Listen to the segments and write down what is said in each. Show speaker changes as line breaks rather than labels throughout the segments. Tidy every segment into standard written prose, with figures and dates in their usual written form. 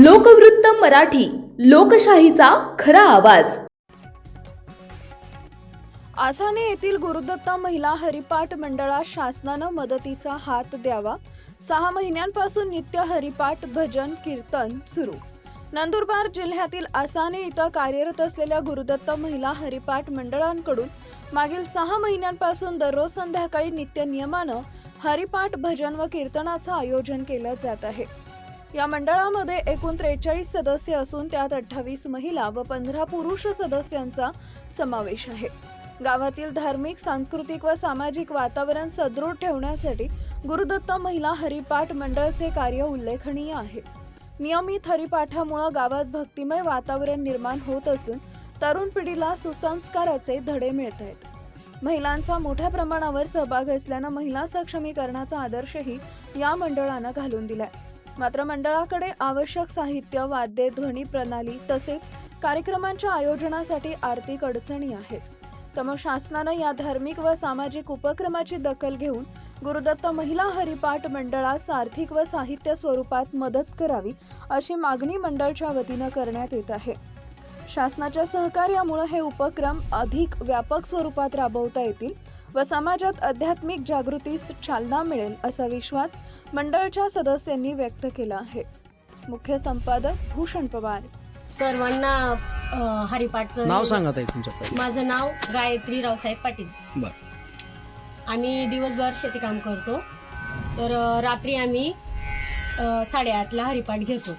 लोकवृत्त मराठी, लोकशाहीचा खरा आवाज.
आसाने येथील गुरुदत्ता महिला हरिपाठ मंडळास शासनानं मदतीचा हात द्यावा. 6 महिन्यांपासून नित्य हरिपाठ, भजन, कीर्तन सुरू. नंदुरबार जिल्ह्यातील आसाने इथं कार्यरत असलेल्या गुरुदत्ता महिला हरिपाठ मंडळांकडून मागील 6 महिन्यांपासून दररोज संध्याकाळी नित्य नियमानं हरिपाठ, भजन व कीर्तनाचं आयोजन केलं जात आहे. या मंडळामध्ये एकूण 43 सदस्य असून त्यात 28 महिला व 15 पुरुष सदस्यांचा समावेश आहे. गावातील धार्मिक, सांस्कृतिक व सामाजिक वातावरण सदृढ ठेवण्यासाठी गुरुदत्ता महिला हरिपाठ मंडळचे कार्य उल्लेखनीय आहे. नियमित हरिपाठामुळे गावात भक्तिमय वातावरण निर्माण होत असून तरुण पिढीला सुसंस्काराचे धडे मिळत आहेत. महिलांचा मोठ्या प्रमाणावर सहभाग असल्यानं महिला सक्षमीकरणाचा आदर्शही या मंडळानं घालून दिलाय. मात्र मंडळाकडे आवश्यक साहित्य, वाद्ये, ध्वनी प्रणाली तसेच कार्यक्रमांच्या आयोजनासाठी आर्थिक अडचणी आहेत. त्यामुळे शासनानं या धार्मिक व सामाजिक उपक्रमाची दखल घेऊन गुरुदत्त महिला हरिपाठ मंडळास आर्थिक व साहित्य स्वरूपात मदत करावी अशी मागणी मंडळाच्या वतीनं करण्यात येत आहे. शासनाच्या सहकार्यामुळे हे उपक्रम अधिक व्यापक स्वरूपात राबवता येतील व समाजात आध्यात्मिक जागृतीस चालना मिळेल असा विश्वास मंडळाच्या सदस्यांनी व्यक्त केला आहे. मुख्य संपादक भूषण पवार.
सर्वांना हरिपाठचं
नाव सांगत आहे तुमचं?
माझं नाव गायत्री रावसाहेब पाटील.
बर.
आम्ही दिवसभर शेती काम करतो, तर रात्री आम्ही 8:30ला हरिपाठ घेतो.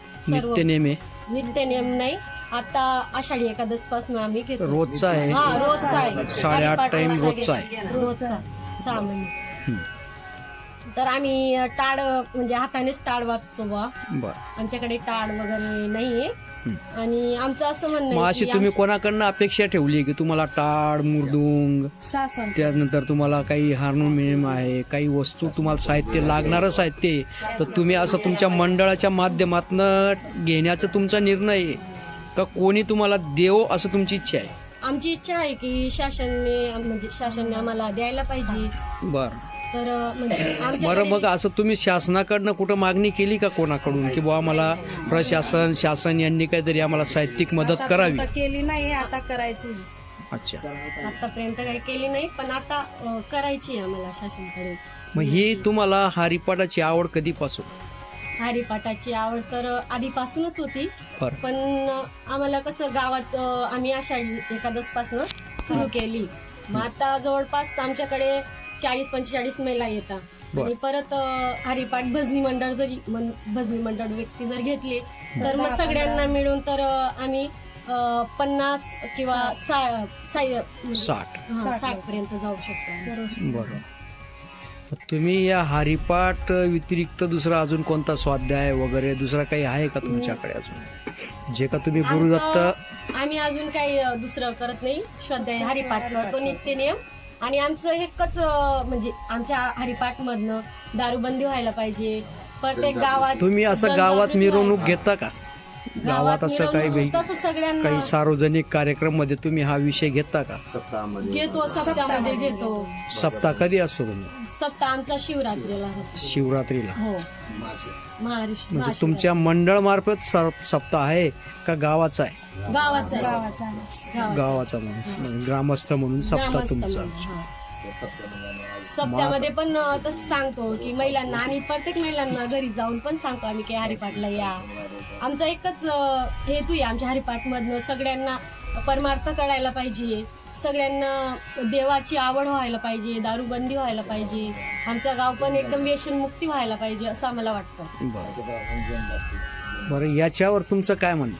नित्य नेम नाही, आता आषाढी एकादश पासून आम्ही घेतो.
रोजचा आहे?
हा, रोजचा आहे.
8:30 टाइम रोजचा आहे.
रोजचा 6 महिने. तर आम्ही टाळ म्हणजे हातानेच टाळ वाजतो बा. आमच्याकडे टाळ वगैरे नाहीये. आणि आमचं असं म्हणणं आहे
अशी तुम्ही कोणाकडनं अपेक्षा ठेवली की तुम्हाला टाळ, मुरडुंग, त्यानंतर तुम्हाला काही हार्मोनियम आहे, काही वस्तू, तुम्हाला साहित्य लागणारं साहित्य आहे, तर तुम्ही असं तुमच्या मंडळाच्या माध्यमातून घेण्याचा तुमचा निर्णय आहे का कोणी तुम्हाला देव असं तुमची इच्छा आहे?
आमची इच्छा आहे की शासनाने आम्हाला द्यायला पाहिजे.
बरं.
तर म्हणजे
बरं, मग असं तुम्ही शासनाकडनं कुठं मागणी केली का कोणाकडून की बुवा आम्हाला शासन यांनी काहीतरी आम्हाला साहित्यिक मदत करावी?
केली नाही, आता करायची.
अच्छा.
आतापर्यंत काही केली नाही, पण आता करायची आम्हाला शासनाकडे.
मग ही तुम्हाला हरिपाठाची आवड कधीपासून?
हरिपाठाची आवड तर आधीपासूनच होती, पण आम्हाला कसं गावात आम्ही आषाढी एकादश पासून सुरू केली. मग आता जवळपास आमच्याकडे 40-45 महिला येतात आणि परत हरिपाठ भजनी मंडळ व्यक्ती जर घेतले तर मग सगळ्यांना मिळून तर आम्ही 50 किंवा 60 पर्यंत जाऊ शकतो.
बरोबर. तुम्ही या हरिपाठ व्यतिरिक्त दुसरा अजून कोणता स्वाध्याय वगैरे दुसरा काही आहे का तुमच्याकडे अजून, जे का तुम्ही गुरुदत्त?
आम्ही अजून काही दुसरं करत नाही. स्वाध्याय हरिपाठ करतो, नित्य नियम. आणि आमचं एकच म्हणजे आमच्या हरिपाठ मधनं दारूबंदी व्हायला पाहिजे प्रत्येक गावात.
तुम्ही असं गावात मिरवणूक घेता का? गावात असं काही सार्वजनिक कार्यक्रम मध्ये तुम्ही हा विषय घेता का?
घेतो, सप्ताहामध्ये घेतो.
सप्ताह कधी असतो तुम्ही?
सप्ताह आमचा शिवरात्रीला. हो.
म्हणजे तुमच्या मंडळ मार्फत सप्ताह आहे का गावाचा आहे? गावाचा म्हणून ग्रामस्थ म्हणून सप्ताह तुमचा.
सप्त्यामध्ये पण तसं सांगतो की महिलांना, आणि प्रत्येक महिलांना घरी जाऊन पण सांगतो आम्ही की हरिपाठला या. आमचा एकच हेतू आहे आमच्या हरिपाठ मधनं सगळ्यांना परमार्थ कळायला पाहिजे, सगळ्यांना देवाची आवड व्हायला पाहिजे, दारूबंदी व्हायला पाहिजे, आमचं गाव पण एकदम व्यसनमुक्ती व्हायला पाहिजे असं आम्हाला वाटतं.
बरं, याच्यावर तुमचं काय म्हणणं?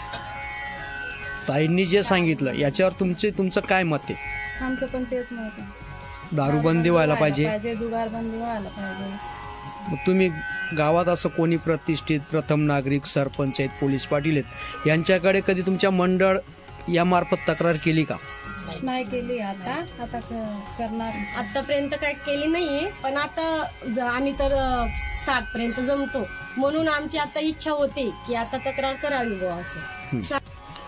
ताईंनी जे सांगितलं याच्यावर तुमचं काय मत आहे?
आमचं पण तेच मत आहे.
दारूबंदी व्हायला पाहिजे,
जुगारबंदी व्हायला पाहिजे.
मग तुम्ही गावात असं कोणी प्रतिष्ठित प्रथम नागरिक, सरपंच आहेत, पोलीस पाटील आहेत, यांच्याकडे कधी तुमच्या मंडळ या मार्फत तक्रार केली का?
नाही केली. आता करणार.
आतापर्यंत काय केली नाहीये, पण आता आम्ही तर 60 पर्यंत जमतो म्हणून आमची आता इच्छा होते की आता तक्रार करावी बुवा असं.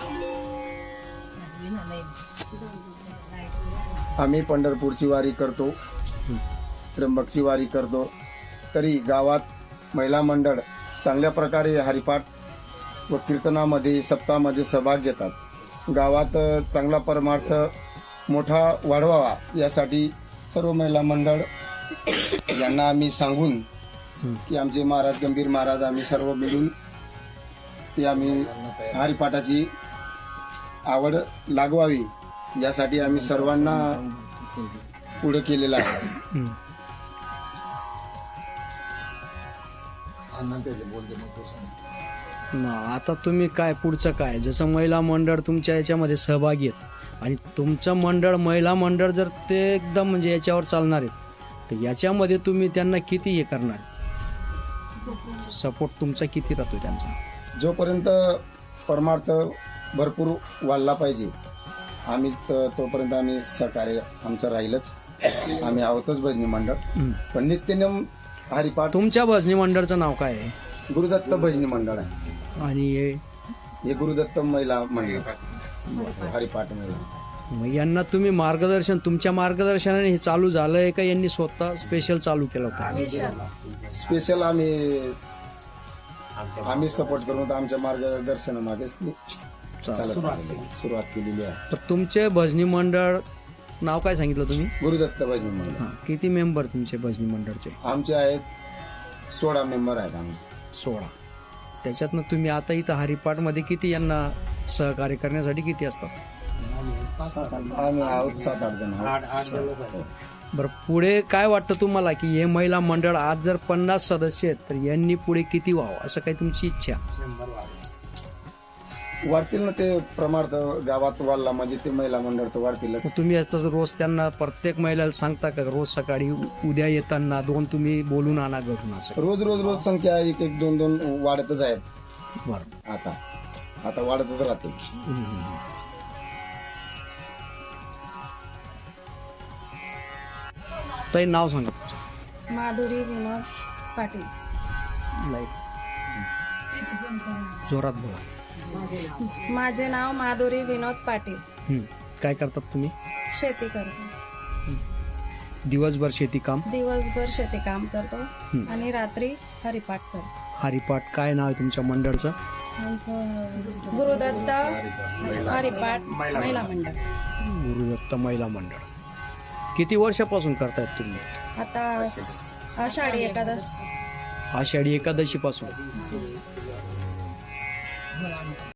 आम्ही पंढरपूरची वारी करतो, त्र्यंबकची वारी करतो, तरी गावात महिला मंडळ चांगल्या प्रकारे हरिपाठ व कीर्तनामध्ये सप्ताहामध्ये सहभाग घेतात. गावात चांगला परमार्थ मोठा वाढवावा यासाठी सर्व महिला मंडळ यांना आम्ही सांगून की आमचे महाराज गंभीर महाराज आम्ही सर्व मिळून ते आम्ही हरिपाठाची आवड लागवावी यासाठी आम्ही सर्वांना पुढे केलेलं आहे.
आता तुम्ही काय पुढचं काय, जसं महिला मंडळ तुमच्या याच्यामध्ये सहभागी आहेत आणि तुमचं मंडळ महिला मंडळ जर ते एकदम म्हणजे याच्यावर चालणार आहे तर याच्यामध्ये तुम्ही त्यांना किती हे करणार, सपोर्ट तुमचा किती राहतो त्यांचा?
जोपर्यंत परमार्थ भरपूर वाढला पाहिजे आम्ही तोपर्यंत आम्ही सहकार्य आमचं राहीलच. आम्ही आहोतच भजनी मंडळ, पण नित्यनेम हरिपाठ.
तुमच्या भजनी मंडळचं नाव काय आहे?
गुरुदत्त भजनी मंडळ आहे
आणि
हे गुरुदत्त महिला मंडळ हरिपाठ महिला.
मग यांना तुम्ही मार्गदर्शन, तुमच्या मार्गदर्शनाने हे चालू झालंय का यांनी स्वतः स्पेशल चालू केलं होतं?
स्पेशल आम्ही सपोर्ट करून होतो. आमच्या मार्गदर्शनामागेच ती सुरुवात केलेली आहे.
तर तुमचे भजनी मंडळ नाव काय सांगितलं तुम्ही?
गुरुदत्त भजनी मंडळ.
किती मेंबर तुमचे भजनी मंडळचे?
आमचे आहेत 16 मेंबर आहेत आमचे.
16. त्याच्यातनं तुम्ही आता इथं हरिपाठमध्ये किती यांना सहकार्य करण्यासाठी किती असतात?
आम्ही आहोत 7-8 जण आहोत.
बरं, पुढे काय वाटतं तुम्हाला की हे महिला मंडळ आज जर 50 सदस्य आहेत तर यांनी पुढे किती व्हावं असं काही तुमची इच्छा?
वाढतील ना, ते प्रमाण गावात वाढला म्हणजे ते महिला मंडळ तर वाढतीलच.
मग तुम्ही याचा रोज त्यांना प्रत्येक महिलाला सांगता का रोज सकाळी उद्या येताना 2 तुम्ही बोलून आणा घरून असं?
रोज संख्या 1-1, 2-2 वाढतच आहेत.
बरं,
आता वाढतच राहते.
ताई नाव सांगा.
माधुरी विनोद पाटील.
जोरात बोला.
माझे नाव माधुरी विनोद पाटील.
काय करतात तुम्ही?
शेती करतो.
दिवसभर शेती काम?
दिवसभर शेती काम करतो आणि रात्री हरिपाठ करतो.
हरिपाठ काय नाव आहे तुमच्या मंडळचं?
आमचं गुरुदत्त हरिपाठ महिला मंडळ.
गुरुदत्त महिला मंडळ. किती वर्षापासून करतायत तुम्ही?
आता आषाढी एकादश.
आषाढी एकादशी पासून.